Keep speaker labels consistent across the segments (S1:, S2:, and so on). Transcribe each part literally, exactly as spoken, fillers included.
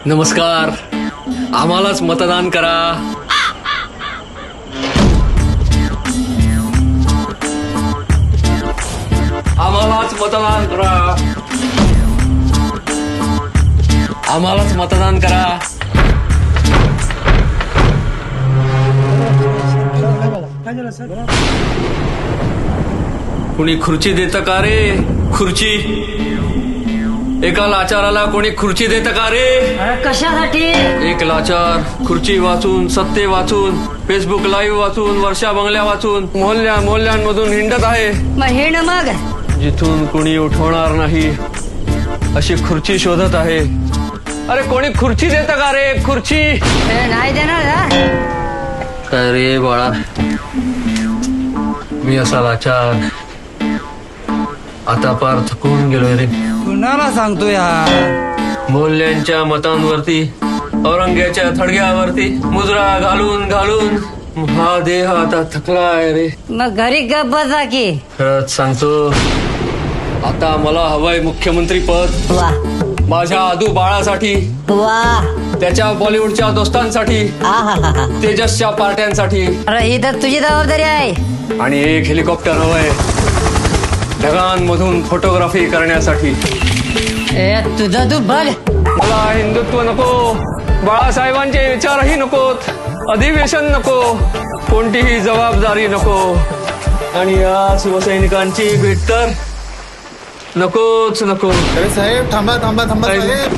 S1: नमस्कार, आम्हालाच मतदान करा. आम्हालाच मतदान करा. आम्हालाच मतदान करा. कुणी खुर्ची देतं का रे? खुर्ची एका लाचाराला कोणी खुर्ची देतं का रे?
S2: कशासाठी?
S1: एक लाचार खुर्ची वाचून, सत्ते वाचून, फेसबुक लाईव्ह वाचून, वर्षा बंगल्या वाचून, मोहल्ल्या मोहल्ल्यांमधून हिंडत आहे.
S2: मग हिंड मग.
S1: जिथून कोणी उठवणार नाही अशी खुर्ची शोधत आहे. अरे कोणी खुर्ची देतं का रे? खुर्ची
S2: ए, नाही देणार ना.
S1: काय रे बाळा, मी असा लाचार आता पार थकून गेलोय रे.
S3: कुणाला सांगतो यार?
S1: मोहल्ल्यांच्या मतांवरती, औरंग्याच्या थडग्यावरती मुजरा घालून घालून हा देह आता थकलाय रे.
S2: मग घरी गप बसा की.
S1: खरंच सांगतो, आता मला हवंय मुख्यमंत्री पद.
S2: वा
S1: माझ्या आदू बाळासाठी,
S2: वा.
S1: त्याच्या बॉलिवूडच्या दोस्तांसाठी,
S2: आहाहाहा.
S1: तेजसच्या पार्ट्यांसाठी,
S2: अरे ही तर तुझी जबाबदारी आहे.
S1: आणि एक हेलिकॉप्टर हवंय ढगांमधून फोटोग्राफी करण्यासाठी.
S2: ए तुझं तू बघ.
S1: मला हिंदुत्व नको, बाळासाहेबांचे विचारही नकोत, अधिवेशन नको, कोणतीही जबाबदारी नको, आणि या शिवसैनिकांची भेट तर नकोच नको.
S4: अरे साहेब थांबा थांबा थांबा साहेब.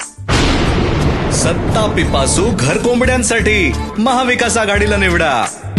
S5: सत्ता पिपासू घर कोंबड्यांसाठी महाविकास आघाडीला निवडा.